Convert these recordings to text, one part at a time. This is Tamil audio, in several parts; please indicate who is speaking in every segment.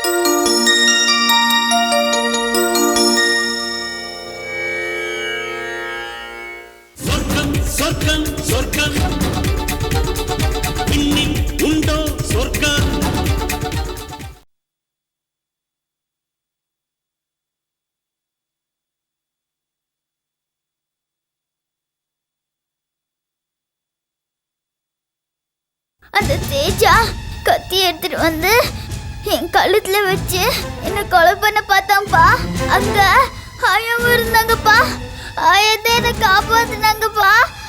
Speaker 1: சொர்க்கம் சொர்க்கம் இன்னில் உண்டோ சொர்க்கம்.
Speaker 2: அந்த தேஜா கத்தி எடுத்துட்டு வந்து என் கழுத்துல வச்சு என்ன கொலை பண்ண பார்த்தான்ப்பா. அங்க ஆயாவும் இருந்தாங்கப்பா. ஆயத்தை என்ன காப்பாத்துனாங்கப்பா.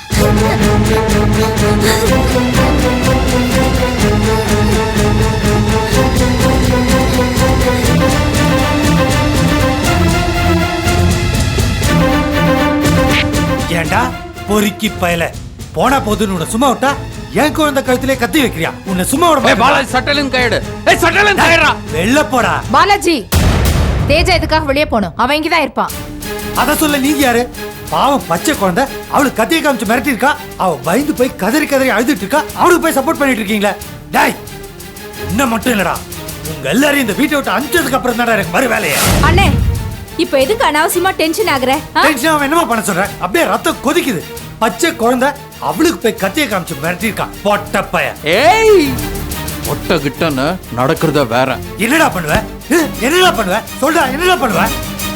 Speaker 3: ஏண்டா பொறுக்கி பயல போனா போதுன்னு உன்னை சும்மா விட்டா என் குழந்தை கழுத்திலே கத்தி வைக்கிறியா? உன்னை சும்மா விட
Speaker 4: பாலாஜி சட்டலும் கையெடு. சட்டலும் கையறா.
Speaker 3: வெளில போடா.
Speaker 5: பாலாஜி தேஜா எதுக்காக வெளியே போணும்? அவன் இங்கதான் இருப்பான்.
Speaker 3: அத சொல்ல நீங்க யாரு? பாவம் பச்சை குழந்தை அவளுக்கு கத்தியை காமிச்சு மிரட்டி இருக்கா. அவ பயந்து போய் கதறி கதறி அழுதுட்டு இருக்கா. அவளுக்கு போய் சப்போர்ட் பண்ணிட்டு இருக்கீங்களா? டாய் இன்னும் மட்டும் இல்லடா, உங்க எல்லாரையும் இந்த வீட்டை விட்டு அனுப்பிச்சதுக்கு அப்புறம் தான் எனக்கு மறு வேலையே.
Speaker 5: அண்ணே இப்ப எதுக்கு அனாவசியமா டென்ஷன் ஆகுற?
Speaker 3: டென்ஷன் அவன் என்னமா பண்ண சொல்ற? அப்படியே ரத்தம் கொதிக்குது. பச்சை குழந்தை அவளுக்கு போய் கத்தியை காமிச்சு மிரட்டி இருக்கா. பொட்ட பைய.
Speaker 4: ஏய் ஒட்ட கிட்டன்னு நடக்கிறத வேற.
Speaker 3: என்னடா பண்ணுவ? என்னடா பண்ணுவ? சொல்டா என்னடா பண்ணுவ?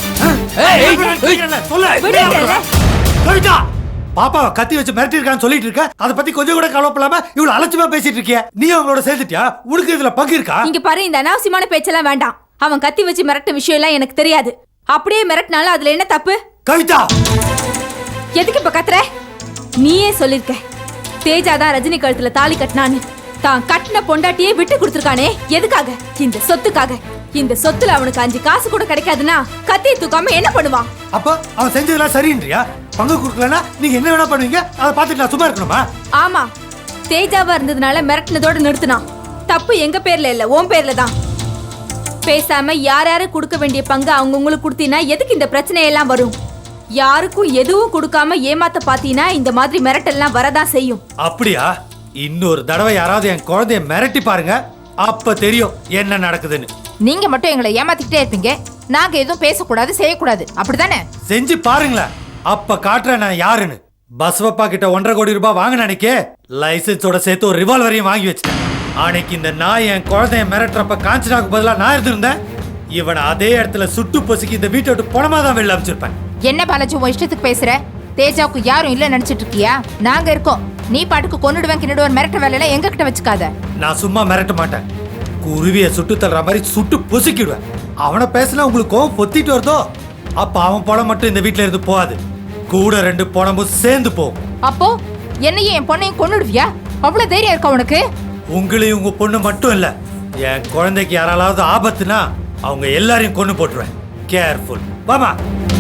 Speaker 3: பாப்பாவை கத்தி வச்சு மிரட்டி இருக்கான்னு சொல்லிட்டு இருக்க. அதை பத்தி கொஞ்சம் கூட கவலைப்படாம இவ்வளவு அலட்சியமா பேசிட்டு இருக்கிய. நீ அவங்களோட சேர்ந்துட்டியா? உனக்கு இதுல பங்கு இருக்கா?
Speaker 5: இங்க பாரு, இந்த அனாவசியமான பேச்செல்லாம் வேண்டாம். அவன் கத்தி வச்சு மிரட்ட விஷயம் எல்லாம் எனக்கு தெரியாது. அப்படியே மிரட்டினாலும் அதுல என்ன தப்பு?
Speaker 3: கவிதா
Speaker 5: எதுக்கு இப்ப கத்துற? நீயே சொல்லிருக்க தேஜா தான் ரஜினி கழுத்துல தாலி கட்டினான்னு. தான் கட்டின பொண்டாட்டியே விட்டு கொடுத்துருக்கானே எதுக்காக? இந்த சொத்துக்காக. இந்த சொத்துல அவனுக்கு 5 காசு கூட கிடைக்காதுன்னா கத்தியை தூக்காம என்ன பண்ணுவான்?
Speaker 3: அப்ப அவன் செஞ்சதெல்லாம் சரின்றியா? பங்கு கொடுக்கலன்னா நீங்க என்ன வேணா பண்ணுவீங்க? அதை பார்த்துட்டு நான் சும்மா இருக்கணுமா?
Speaker 5: ஆமா, தேஜாவா இருந்ததுனால மிரட்டினதோட நிறுத்தினான். தப்பு எங்க பேர்ல இல்ல, உன் பேர்ல தான். பேசாம யார் யாரு கொடுக்க வேண்டிய பங்கு அவங்கவுங்களுக்கு கொடுத்தீங்கன்னா எதுக்கு இந்த பிரச்சனை எல்லாம் வரும்? யாருக்கும் எதுவும் கொடுக்காம ஏமாத்த பாத்தீங்கன்னா இந்த மாதிரி மிரட்டெல்லாம் வரதான் செய்யும்.
Speaker 3: அப்படியா? இன்னொரு தடவை யாராவது என் குழந்தைய மிரட்டி பாருங்க, அப்ப தெரியும் என்ன நடக்குதுன்னு.
Speaker 5: நீங்க மட்டும் எங்களை ஏமாத்திக்கிட்டே இருப்பீங்க. நாங்க எதுவும் பேசக்கூடாது செய்யக்கூடாது, அப்படித்தானே?
Speaker 3: செஞ்சு பாருங்களேன், அப்ப காட்டுறேன் நான் யாருன்னு. பஸ்வப்பா கிட்ட 1.5 கோடி ரூபாய் வாங்க நினைக்க லைசன்ஸோட சேர்த்து ஒரு ரிவால்வரையும் வாங்கி வச்சிட்டேன். அன்னைக்கு இந்த நாய் என் குழந்தைய மிரட்டுறப்ப காஞ்சனாக்கு பதிலா நான் இருந்திருந்தேன், இவனை அதே இடத்துல சுட்டு பொசுக்கி இந்த வீட்டை விட்டு பணமா தான் வெளில அமைச்சிருப்பேன்.
Speaker 5: என்ன பாலாஜி உன் இஷ்டத்துக்கு பேசுற? தேஜாவுக்கு யாரும் இல்ல நினைச்சிட்டு இருக்கியா? நாங்க இருக்கோம். நீ பாட்டுக்கு கொன்னுடுவேன் கிண்ணுடுவேன் மிரட்ட வேலையெல்லாம் எங்க கிட்ட வச்சுக்காத.
Speaker 3: நான் சும்மா மிரட்ட மாட்டேன், குருவிய சுட்டு தள்ளுற மாதிரி சுட்டு பொசுக்கிடுவேன். அவனை பேசினா உங்களுக்கு கோவம் பொத்திட்டு வருதோ, அப்ப அவன் பணம் மட்டும் இந்த வீட்டுல இருந்து போகாது, கூட 2 பணமும் சேர்ந்து போகும்.
Speaker 5: அப்போ என்னையும் என் பொண்ணையும் கொன்னுடுவியா? அவ்வளவு தைரியம் இருக்கா உனக்கு?
Speaker 3: உங்களையும் உங்க பொண்ணு மட்டும் இல்ல, என் குழந்தைக்கு யாராவது ஆபத்துனா அவங்க எல்லாரையும் கொண்டு போட்டுருவேன். கேர்ஃபுல். வாமா.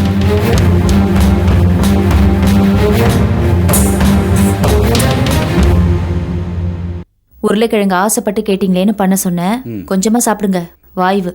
Speaker 6: உருளைக்கிழங்கு ஆசைப்பட்டு கேட்டீங்களேன்னு பண்ண சொன்னேன். கொஞ்சமா சாப்பிடுங்க, வாய்வு.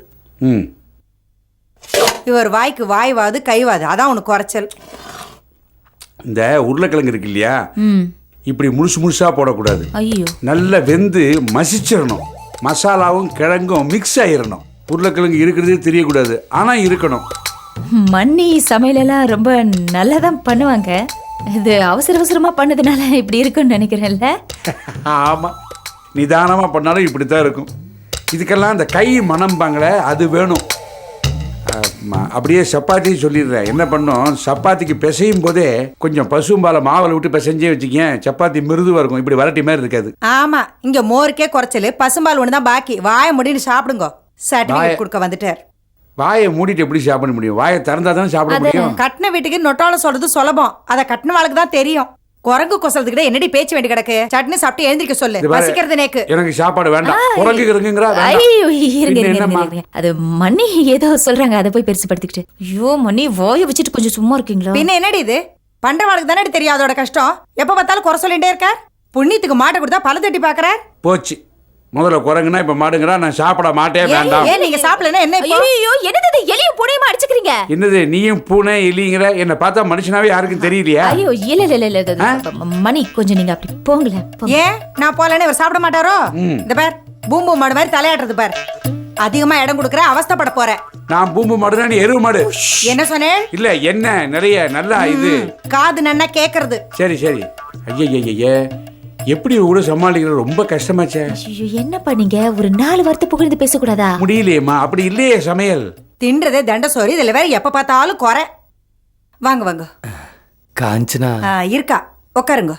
Speaker 7: இவர் வாய்க்கு வாய்வாது கைவாது, அதான் உனக்கு குறைச்சல்.
Speaker 8: இந்த உருளைக்கிழங்கு இருக்கு இல்லையா, இப்படி முழுசா போடக்கூடாது.
Speaker 6: ஐயோ,
Speaker 8: நல்லா வெந்து மசிச்சிடணும். மசாலாவும் கிழங்கும் மிக்ஸ் ஆயிடணும். உருளைக்கிழங்கு இருக்கிறதே தெரியக்கூடாது, ஆனா இருக்கணும்.
Speaker 6: மண்ணி சமையலெல்லாம் ரொம்ப நல்லா தான் பண்ணுவாங்க. இது அவசர அவசரமா பண்ணதுனால இப்படி இருக்குன்னு நினைக்கிறேன்ல.
Speaker 8: ஆமா, நிதானமா பண்ணாலும் இப்படித்தான் இருக்கும். இதுக்கெல்லாம் இந்த கை மணம்பாங்களே அது வேணும். அப்படியே சப்பாத்தி சொல்லிடுறேன். என்ன பண்ணும், சப்பாத்திக்கு பிசையும் போதே கொஞ்சம் பசும்பாலை மாவில் விட்டு பிசைஞ்சே வச்சுக்க, சப்பாத்தி மிருதுவா இருக்கும். இப்படி வரட்டி மாதிரி இருக்காது.
Speaker 7: ஆமா, இங்க மோருக்கே குறைச்சல், பசும்பால் ஒண்ணுதான் பாக்கி. வாயை முடின்னு சாப்பிடுங்க. சர்டிபிகேட் கொடுக்க வந்துட்டார்.
Speaker 8: வாயை மூடிட்டு எப்படி சாப்பிட முடியும்? வாயை திறந்தா தானே சாப்பிட முடியும்.
Speaker 7: கட்டின வீட்டுக்கு நொட்டால சொல்றது சுலபம், அதை கட்டின வாழ்க்கை தான் தெரியும். குரங்கு கொசலத்துக்கிட்ட என்னடி பேச்சு வேண்டி கிடக்கு? சட்னி சாப்பிட்டு எழுந்திருக்க சொல்லு, பசிக்கிறது நேக்கு.
Speaker 8: எனக்கு சாப்பாடு வேண்டாம். குரங்கு இருக்குங்கறா.
Speaker 6: ஐயோ இருங்க, அது மண்ணி ஏதோ சொல்றாங்க, அதை போய் பெருசுபடுத்திக்கிட்டு. ஐயோ மண்ணி, வாயை வச்சுட்டு கொஞ்சம் சும்மா இருக்கீங்களா?
Speaker 7: பின்ன என்னடி இது? பண்றவாளுக்கு தானே தெரியும் அதோட கஷ்டம். எப்ப பார்த்தாலும் குறை சொல்லிட்டே இருக்க. புண்ணியத்துக்கு மாட்டை கொடுத்தா பல தட்டி பாக்குற.
Speaker 8: போச்சு, முதல்ல குரங்குனா இப்ப மாடுங்கறா. நான் சாப்பிட மாட்டே. வேண்டாம்.
Speaker 7: ஏன் நீங்க சாப்பிடலனா என்ன?
Speaker 6: ஐயோ என்னது எலியும் பூனையுமா அடிச்சுக்கிறீங்க?
Speaker 8: என்னது நீயும் பூனை எலிங்கற? என்ன பார்த்தா மனுஷனாவே யாருக்கும் தெரியலையா?
Speaker 6: ஐயோ இல்ல மணி, கொஞ்சம் நீங்க அப்படி போங்களேன்.
Speaker 7: ஏன் நான் போலனே இவர் சாப்பிட மாட்டாரோ? இந்த பார், பூம்பு மாடு மாதிரி தலையாடுறது பார். அதிகமா இடம் கொடுக்கற அவஸ்தைப்பட போற.
Speaker 8: நான் பூம்பு மாடுனா நீ எருவு மாடு.
Speaker 7: என்ன சொன்னேன்?
Speaker 8: இல்ல என்ன நிறைய நல்லா இது.
Speaker 7: காது நன்னா கேக்குறது.
Speaker 8: சரி சரி. ஐயே எப்படி கூட சமாளிக்கிறது ரொம்ப கஷ்டமாச்சே.
Speaker 6: ஐயோ என்னப்பா நீங்க ஒரு 4 வார்த்தை புகழ்ந்து பேசக்கூடாதா?
Speaker 8: முடியலையேம்மா, அப்படி இல்லையே சமையல்.
Speaker 7: தின்றதே தண்ட சோறு, இதுல வேற எப்ப பார்த்தாலும் குறை. வாங்க வாங்க.
Speaker 3: காஞ்சனா
Speaker 7: இருக்கா, உட்காருங்க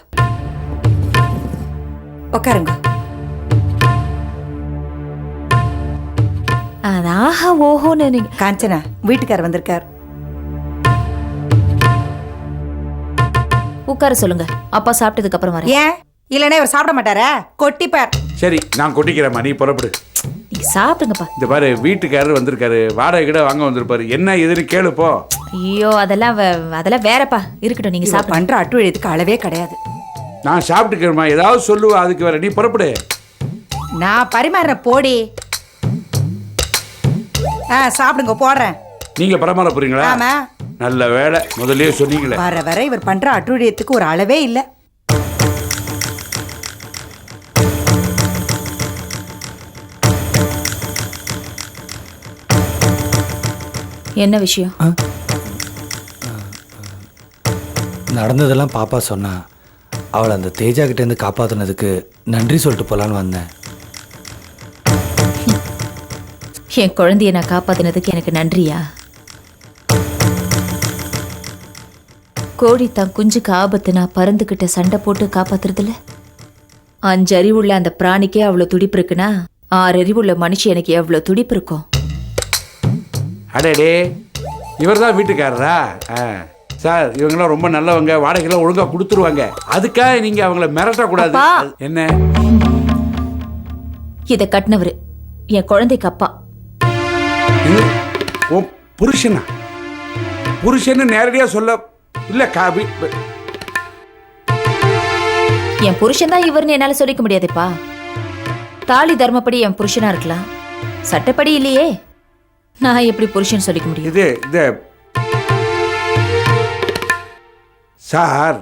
Speaker 7: உட்காருங்க.
Speaker 6: ஆஹா ஓஹோன்னு நீங்க
Speaker 7: காஞ்சனா வீட்டுக்காரர் வந்திருக்கார்.
Speaker 6: உட்கார சொல்லுங்க, அப்பா சாப்பிட்டதுக்கு அப்புறம் வரேன்.
Speaker 7: ஏன் இல்லனே இவர் சாப்பிட மாட்டாரா? கொட்டிப்பார்.
Speaker 8: சரி நான் கொட்டிக்கிறேம்மா, நீ புறப்படு.
Speaker 6: நீங்க சாப்பிடுங்கப்பா.
Speaker 8: இந்த பாரு வீட்டுக்காரர் வந்திருக்காரு, வாடகை கிட்ட வாங்க வந்திருப்பாரு. என்ன எதுன்னு கேளு போ.
Speaker 6: ஐயோ அதெல்லாம் வேறப்பா, இருக்கட்டும் நீங்க
Speaker 7: இவ
Speaker 6: சாப்பிடுங்க.
Speaker 7: பண்ற அட்டுழியத்துக்கு அளவே கிடையாது.
Speaker 8: நான் சாப்பிட்டுக்கிறேம்மா, ஏதாவது சொல்லுவா அதுக்கு வேற, நீ புறப்படு.
Speaker 7: நான் பரிமாறுற போடி. சாப்பிடுங்க போடுறேன்.
Speaker 8: நீங்க பரமாற போறீங்களா?
Speaker 7: ஆமா.
Speaker 8: நல்ல வேலை, முதல்லயே சொன்னீங்களே.
Speaker 7: வர வர இவர் பண்ற அட்டுழியத்துக்கு ஒரு அளவே இல்ல.
Speaker 6: என்ன விஷயம்?
Speaker 3: நடந்ததெல்லாம் பாப்பா சொன்னா. அவளை அந்த தேஜா கிட்ட இருந்து காப்பாத்துனதுக்கு நன்றி சொல்லிட்டு போலான்னு வந்தேன்.
Speaker 6: என் குழந்தைய நான் காப்பாத்தினதுக்கு எனக்கு நன்றியா? கோழி தான் குஞ்சுக்கு ஆபத்துனா பறந்துகிட்ட சண்டை போட்டு காப்பாத்துறதுல 5 அறிவுள்ள அந்த பிராணிக்கே அவ்வளவு துடிப்பு இருக்குன்னா 6 அறிவுள்ள மனுஷன் எனக்கு எவ்வளவு துடிப்பு இருக்கும்?
Speaker 8: அடே இவர் தான் வீட்டுக்காரரா? சார் இவங்கெல்லாம் ரொம்ப நல்லவங்க, வாடகைலாம் ஒழுங்கா கொடுத்துருவாங்க. அதுக்காக நீங்க அவங்கள மிரட்டக்கூடாது.
Speaker 6: அப்பா.
Speaker 8: என்ன
Speaker 6: இதை கட்டினவரு என் குழந்தைக்கு அப்பா.
Speaker 8: உன் புருஷனா? புருஷன்னு நேரடியா சொல்ல இல்ல காபி.
Speaker 6: என் புருஷன் தான் இவர்னு என்னால சொல்லிக்க முடியாதுப்பா. தாலி தர்மப்படி என் புருஷனா இருக்கலாம், சட்டப்படி இல்லையே. நான் எப்படி புருஷன் சொல்லிக்க முடியும்?
Speaker 8: இது சார்,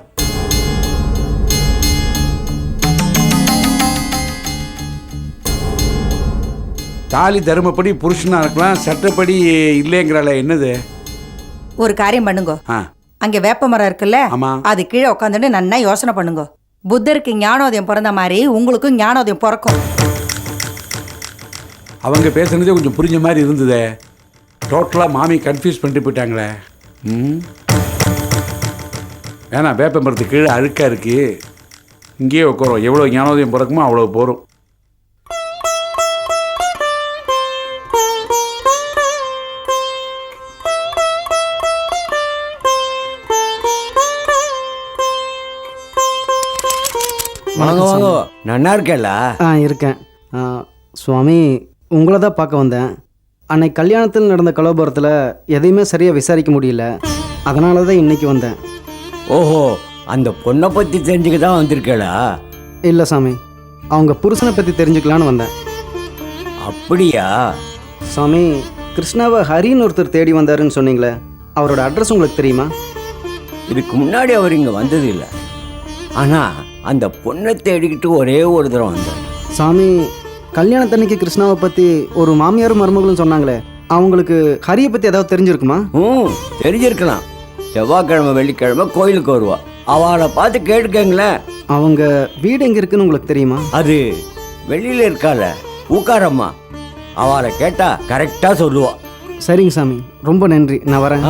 Speaker 8: தாலி தர்மப்படி புருஷனா இருக்கலாம், சட்டப்படி இல்லைங்கிறால. என்னது?
Speaker 7: ஒரு காரியம் பண்ணுங்க. அங்க வேப்ப மரம் இருக்குல்ல,
Speaker 8: ஆமா.
Speaker 7: அது கீழே உட்காந்துட்டு நன்னா யோசனை பண்ணுங்க. புத்தருக்கு ஞானோதயம் பிறந்த மாதிரி உங்களுக்கும் ஞானோதயம் பிறக்கும்.
Speaker 8: அவங்க பேசுனதே கொஞ்சம் புரிஞ்ச மாதிரி இருந்ததே. டோட்டலா மாமி கன்ஃபியூஸ் பண்ணிட்டு போயிட்டாங்களே. ஏன்னா வேப்ப மரத்துக்கு கீழே அழுக்கா இருக்கு, இங்கேயே உட்காரோம். எவ்வளோ ஞானோதயம் பிறக்குமோ அவ்வளோ போகிறோம்.
Speaker 9: வாங்க வாங்க, நன்னா இருக்கேல்ல?
Speaker 10: இருக்கேன் சுவாமி. உங்களை தான் பார்க்க வந்தேன். அன்னைக்கு கல்யாணத்தில் நடந்த கலோபரத்தில் எதையுமே சரியாக விசாரிக்க முடியல, அதனால தான் இன்னைக்கு வந்தேன்.
Speaker 9: ஓஹோ, அந்த பொண்ணை பற்றி தெரிஞ்சுக்க தான் வந்திருக்கேளா?
Speaker 10: இல்லை சாமி, அவங்க புருஷனை பற்றி தெரிஞ்சுக்கலான்னு வந்தேன்.
Speaker 9: அப்படியா?
Speaker 10: சாமி, கிருஷ்ணாவை ஹரின்னு ஒருத்தர் தேடி வந்தாருன்னு சொன்னீங்களே, அவரோட அட்ரஸ் உங்களுக்கு தெரியுமா?
Speaker 9: இதுக்கு முன்னாடி அவர் இங்கே வந்தது இல்லை, ஆனால் அந்த பொண்ணை தேடிக்கிட்டு ஒரே ஒரு தடவை வந்தார்.
Speaker 10: சாமி, கல்யாணத்தன்னைக்கு கிருஷ்ணாவை பற்றி ஒரு மாமியாரும் மருமகளும் சொன்னாங்களே, அவங்களுக்கு ஹரியை பற்றி ஏதாவது தெரிஞ்சிருக்குமா?
Speaker 9: தெரிஞ்சிருக்கலாம். செவ்வாய்க்கிழமை வெள்ளிக்கிழமை கோயிலுக்கு வருவா, அவளை பார்த்து கேட்டுக்கங்களேன்.
Speaker 10: அவங்க வீடு எங்கே இருக்குன்னு உங்களுக்கு தெரியுமா?
Speaker 9: அது வெளியில் இருக்கால ஊக்காரம்மா, அவளை கேட்டா கரெக்டாக சொல்லுவா.
Speaker 10: சரிங்க சாமி, ரொம்ப நன்றி, நான் வரேன்.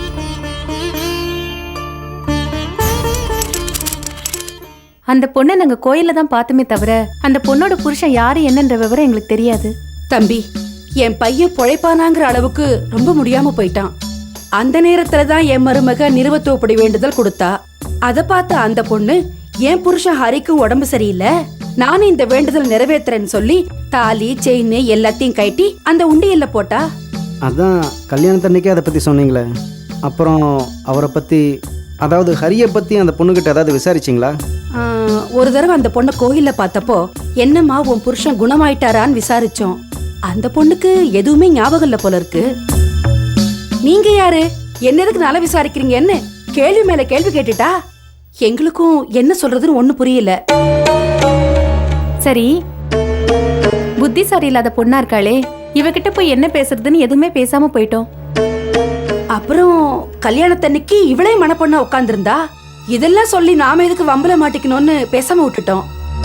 Speaker 5: அந்த பொண்ணை நாங்க கோயில்ல தான் பார்த்துமே தவிர அந்த பொண்ணோட புருஷன் யாரு என்னன்ற விவரம் எங்களுக்கு தெரியாது.
Speaker 11: தம்பி, என் பையன் பொழைப்பானாங்கிற அளவுக்கு ரொம்ப முடியாம போயிட்டான். அந்த நேரத்துல தான் என் மருமக நிறுவத்தோப்படி வேண்டுதல் கொடுத்தா. அதை பார்த்த அந்த பொண்ணு, என் புருஷன் ஹரிக்கும் உடம்பு சரியில்லை, நானும் இந்த வேண்டுதல் நிறைவேற்றுறேன்னு சொல்லி தாலி செயின் எல்லாத்தையும் கட்டி அந்த உண்டியல்ல போட்டா.
Speaker 10: அதான் கல்யாணத்தன்னைக்கே அதை பற்றி சொன்னீங்களே, அப்புறம் அவரை பற்றி, அதாவது ஹரியை பற்றி அந்த பொண்ணுக்கிட்ட ஏதாவது விசாரிச்சிங்களா?
Speaker 11: ஒரு தடவை அந்த பொண்ணை கோயில்ல பார்த்தப்போ, என்னம்மா உன் புருஷன் குணமாயிட்டாரான்னு விசாரிச்சோம். அந்த பொண்ணுக்கு எதுவுமே ஞாபகம் இல்ல போல இருக்கு. நீங்க யாரு, என்ன எதுக்கு நல்லா விசாரிக்கிறீங்கன்னு கேள்வி மேல கேள்வி கேட்டுட்டா. எங்களுக்கும் என்ன சொல்றதுன்னு ஒண்ணு புரியல.
Speaker 5: சரி, புத்திசாரி இல்லாத பொண்ணா இருக்காளே,
Speaker 11: இவகிட்ட போய் என்ன பேசுறதுன்னு எதுவுமே பேசாம போயிட்டோம். அப்புறம் கல்யாணத்தன்னைக்கு இவளே மனப்பொண்ணா உட்கார்ந்திருந்தா இதெல்லாம் சொல்லி நாம எதுக்கு வம்பல மாட்டிக்கணும்னு பேசாம விட்டுட்டோம்.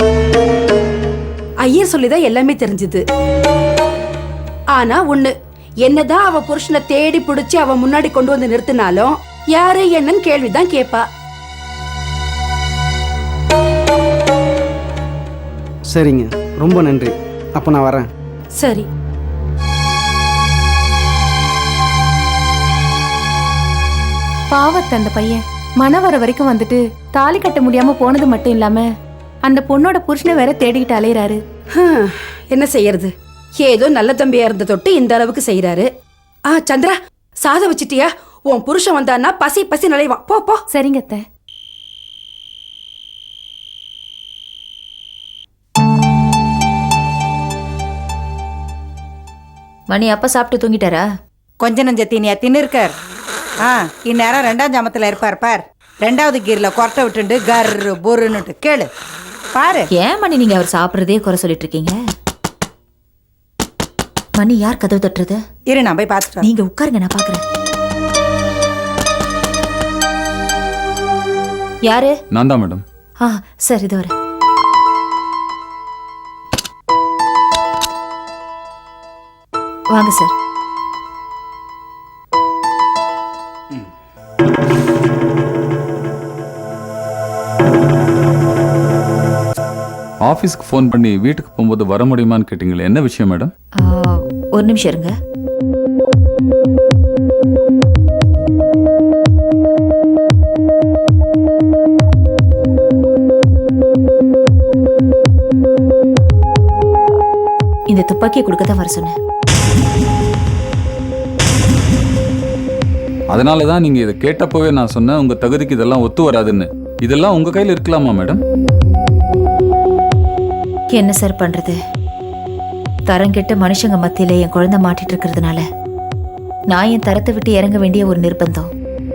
Speaker 11: ஐயர் சொல்லிதான் எல்லாமே தெரிஞ்சது. ஆனா ஒண்ணு, என்னதான் அவ புருஷனை தேடி பிடிச்சு அவ முன்னாடி கொண்டு வந்து நிறுத்தினாலும் யாரு என்னன்னு கேள்விதான் கேப்பா.
Speaker 10: சரிங்க, ரொம்ப நன்றி. அப்போ நான் வரேன்.
Speaker 11: சரி.
Speaker 5: பாவத்தை அந்த பையன் மன வர வரைக்கும் வந்துட்டு தாலி கட்ட முடியாம போனது மட்டும் இல்லாம அந்த பொண்ணோட புருஷனை வேற தேடிக்கிட்டு அலையறாரு.
Speaker 11: என்ன செய்யறது, ஏதோ நல்ல தம்பியா இருந்த தொட்டு இந்த அளவுக்கு செய்யறாரு. சந்திரா, சாதம் வச்சிட்டியா? உன் புருஷன் வந்தான்னா பசி பசி நலைவான். போ போ.
Speaker 5: சரிங்க அத்தை.
Speaker 6: மணி அப்பா சாப்பிட்டு தூங்கிட்டாரா?
Speaker 7: கொஞ்ச நஞ்ச தீனியா தின்னு இருக்கார். இந்நேரம் 2ஆம் ஜாமத்துல இருப்பார் பார். 2வது கீர்ல கொரட்டை விட்டுண்டு கர்ரு பொருன்னுட்டு கேளு பாரு.
Speaker 6: ஏன் மணி நீங்க அவர் சாப்பிட்றதே குறை சொல்லிட்டு இருக்கீங்க? மணி யார் கதவு தட்டுறது?
Speaker 7: இரு, நான் போய் பார்த்துட்டு.
Speaker 6: நீங்க உட்காருங்க, நான் பாக்குறேன். யாரு?
Speaker 4: நான் தான் மேடம்.
Speaker 6: சார், இது வர. வாங்க சார்.
Speaker 4: ஆஃபீஸ்க்கு ஃபோன் பண்ணி வீட்டுக்கு போகும்போது வர முடியுமான்னு கேட்டிங்களே, என்ன விஷயம் மேடம்?
Speaker 6: ஒரு நிமிஷம் இருங்க. இந்த துப்பாக்கியை கொடுக்க தான் வர சொன்னேன்.
Speaker 4: அதனால தான் நீங்கள் இதை கேட்டப்போவே நான் சொன்னேன், உங்கள் தகுதிக்கு இதெல்லாம் ஒத்து வராதுன்னு. இதெல்லாம் உங்கள் கையில் இருக்கலாமா மேடம்?
Speaker 6: என்ன சார் பண்றது? தரங்கெட்ட மனுஷங்க மத்தியில என் குழந்தை மாட்டிட்டு இருக்கிறதுனால நான் என் தரத்தை விட்டு இறங்க வேண்டிய ஒரு நிர்பந்தம்.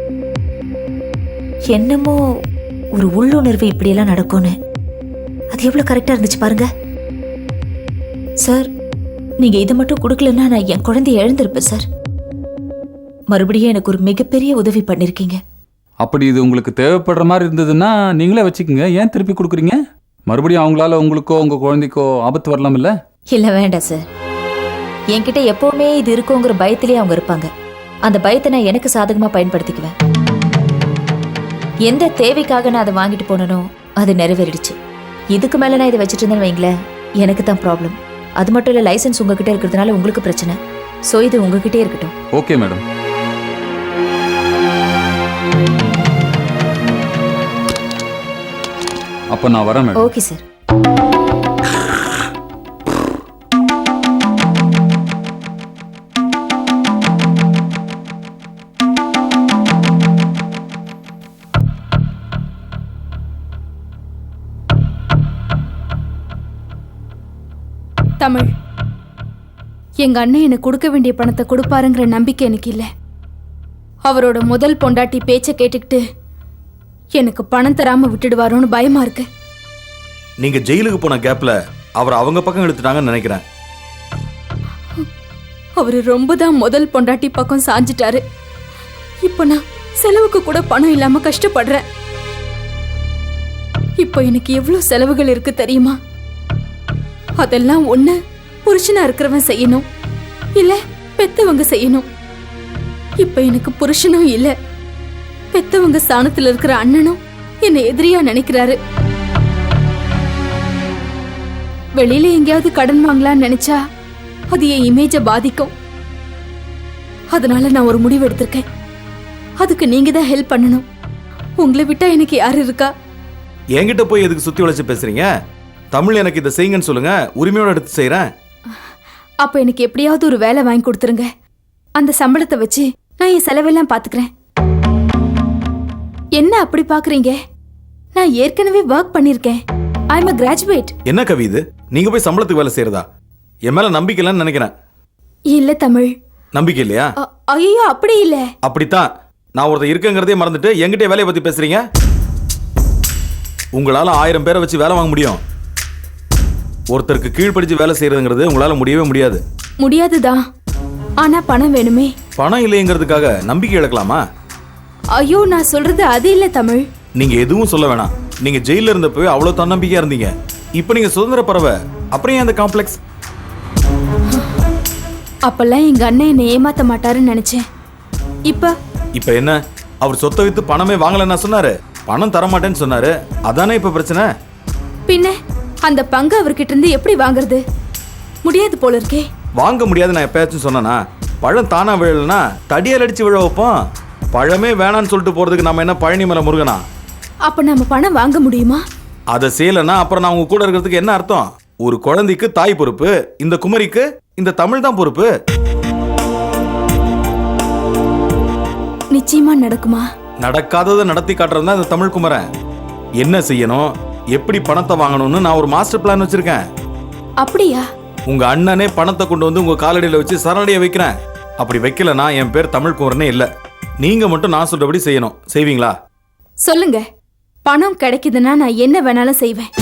Speaker 6: என்னமோ ஒரு உள்ளுணர்வு இப்படியெல்லாம் நடக்கும்னு. அது எவ்வளவு கரெக்டா இருந்துச்சு பாருங்க சார். நீங்க இதை மட்டும் கொடுக்கலன்னா நான் என் குழந்தைய இழந்திருப்பேன் சார். மறுபடியும் எனக்கு ஒரு மிகப்பெரிய உதவி பண்ணிருக்கீங்க.
Speaker 4: அப்படி இது உங்களுக்கு தேவைப்படுற மாதிரி இருந்ததுன்னா நீங்களே வச்சுக்கோங்க. ஏன் திருப்பி கொடுக்குறீங்க? மறுபடியும் அவங்களால உங்களுக்கோ உங்க குழந்தைக்கோ ஆபத்து வரலாம் இல்ல?
Speaker 6: இல்ல, வேண்டாம் சார். என்கிட்ட எப்பவுமே இது இருக்குங்கிற பயத்திலேயே அவங்க இருப்பாங்க. அந்த பயத்தை நான் எனக்கு சாதகமா பயன்படுத்திக்குவேன். எந்த தேவைக்காக நான் அதை வாங்கிட்டு போனனோ அது நிறைவேறிடுச்சு. இதுக்கு மேல நான் இதை வச்சுட்டு இருந்தேன்னு வைங்களேன், எனக்கு தான் ப்ராப்ளம். அது மட்டும் இல்ல, லைசன்ஸ் உங்ககிட்ட இருக்கிறதுனால உங்களுக்கு பிரச்சனை. சோ இது உங்ககிட்டே இருக்கட்டும்.
Speaker 4: Okay madam. அப்ப நான் வரேன் மேடம்.
Speaker 6: Okay sir.
Speaker 5: தமிழ், எங்க அண்ணன் எனக்கு கொடுக்க வேண்டிய பணத்தை கொடுப்பாருங்கிற நம்பிக்கை எனக்கு இல்லை. அவரோட முதல் பொண்டாட்டி பேச்சை கேட்டுக்கிட்டு எனக்கு பணம் தராம விட்டுடுவாரோன்னு பயமா இருக்கு.
Speaker 12: நீங்க ஜெயிலுக்கு போன கேப்ல அவர் அவங்க பக்கம் எடுத்துட்டாங்கன்னு நினைக்கிறேன்.
Speaker 5: அவரு ரொம்ப தான் முதல் பொண்டாட்டி பக்கம் சாஞ்சிட்டாரு. இப்போ நான் செலவுக்கு கூட பணம் இல்லாம கஷ்டப்படுறேன். இப்போ எனக்கு எவ்வளவு செலவுகள் இருக்கு தெரியுமா? அதெல்லாம் ஒண்ணு புருஷனா இருக்கிறவன் செய்யணும், இல்ல பெத்தவங்க செய்யணும். இப்ப எனக்கு புருஷனும் இல்ல, பெத்தவங்க ஸ்தானத்துல இருக்கிற அண்ணனும் என்னை எதிரியா நினைக்கிறாரு. வெளியில எங்கேயாவது கடன் வாங்கலாம்னு நினைச்சா அது என் இமேஜ பாதிக்கும். அதனால நான் ஒரு முடிவு எடுத்திருக்கேன். அதுக்கு நீங்க தான் ஹெல்ப் பண்ணணும். உங்களை விட்டா எனக்கு யாரு இருக்கா?
Speaker 12: என்கிட்ட போய் எதுக்கு சுத்தி வளைச்சு பேசுறீங்க? தமிழ், எனக்கு இதை செய்யுங்கன்னு சொல்லுங்க, உரிமையோட எடுத்து செய்யறேன்.
Speaker 5: அப்ப எனக்கு எப்படியாவது ஒரு வேலை வாங்கி கொடுத்துருங்க. அந்த சம்பளத்தை வச்சு நான் என் செலவெல்லாம் பாத்துக்கிறேன். என்ன அப்படி பாக்குறீங்க? நான் ஏற்கனவே ஒர்க் பண்ணிருக்கேன். ஐ அம் a graduate.
Speaker 12: என்ன கவி இது? நீங்க போய் சம்பளத்துக்கு வேலை செய்யறதா? என் மேல நம்பிக்கை இல்லைன்னு நினைக்கிறேன்.
Speaker 5: இல்ல தமிழ்.
Speaker 12: நம்பிக்கை இல்லையா?
Speaker 5: ஐயோ, அப்படி இல்ல.
Speaker 12: அப்படித்தான். நான் ஒருத்தர் இருக்கங்கிறதே மறந்துட்டு என்கிட்ட வேலையை பத்தி பேசுறீங்க. உங்களால 1000 பேரை வச்சு வேலை வாங்க முடியும். ஒருத்தருக்கு கீழ்ப்படிச்சு வேலை செய்யறதுங்கிறது உங்களால முடியவே முடியாது.
Speaker 5: முடியாதுதான், ஆனா பணம் வேணுமே.
Speaker 12: பணம் இல்லைங்கிறதுக்காக நம்பிக்கை இழக்கலாமா?
Speaker 5: ஐயோ, நான் சொல்றது அது இல்ல தமிழ்.
Speaker 12: நீங்க எதுவும் சொல்ல வேணாம். நீங்க ஜெயில இருந்தப்போ அவ்வளவு தன்னம்பிக்கையா இருந்தீங்க. இப்ப நீங்க சுதந்திர பறவை, அப்புறம் ஏன் அந்த காம்ப்ளெக்ஸ்?
Speaker 5: அப்பெல்லாம் எங்க அண்ணன் என்னை ஏமாத்த மாட்டாருன்னு நினைச்சேன். இப்ப
Speaker 12: என்ன, அவர் சொத்தை வித்து பணமே வாங்கலன்னா சொன்னாரு, பணம் தர மாட்டேன்னு சொன்னாரு. அதானே இப்ப பிரச்சனை.
Speaker 5: பின்ன அந்த பங்கு அவர்கிட்ட இருந்து எப்படி வாங்குறது? முடியாது போல இருக்கே.
Speaker 12: வாங்க முடியாது நான் எப்பயாச்சும் சொன்னா? பழம் தானா விழலன்னா தடியால் அடிச்சு விழ வைப்போம். பழமே வேணான்னு சொல்லிட்டு போறதுக்கு நம்ம என்ன பழனி மலை முருகனா?
Speaker 5: அப்ப நம்ம பணம் வாங்க முடியுமா?
Speaker 12: அதை செய்யலன்னா அப்புறம் நான் உங்க கூட இருக்கிறதுக்கு என்ன அர்த்தம்? ஒரு குழந்தைக்கு தாய் பொறுப்பு, இந்த குமரிக்கு இந்த தமிழ் தான் பொறுப்பு.
Speaker 5: நிச்சயமா நடக்குமா?
Speaker 12: நடக்காததை நடத்தி காட்டுறது தான் இந்த தமிழ் குமரன். என்ன செய்யணும், எப்படி பணத்தை வாங்கணும்னு நான் ஒரு மாஸ்டர் பிளான் வச்சிருக்கேன்.
Speaker 5: அப்படியா?
Speaker 12: உங்க அண்ணனே பணத்தை கொண்டு வந்து உங்க காலடியில வச்சு சரணடைய வைக்கிறேன். அப்படி வைக்கலனா என் பேர் தமிழ் குமரனே இல்ல. நீங்க மட்டும் நான் சொல்றபடி செய்யணும். செய்வீங்களா?
Speaker 5: சொல்லுங்க. பணம் கிடைக்குதுன்னா நான் என்ன வேணாலும் செய்வேன்.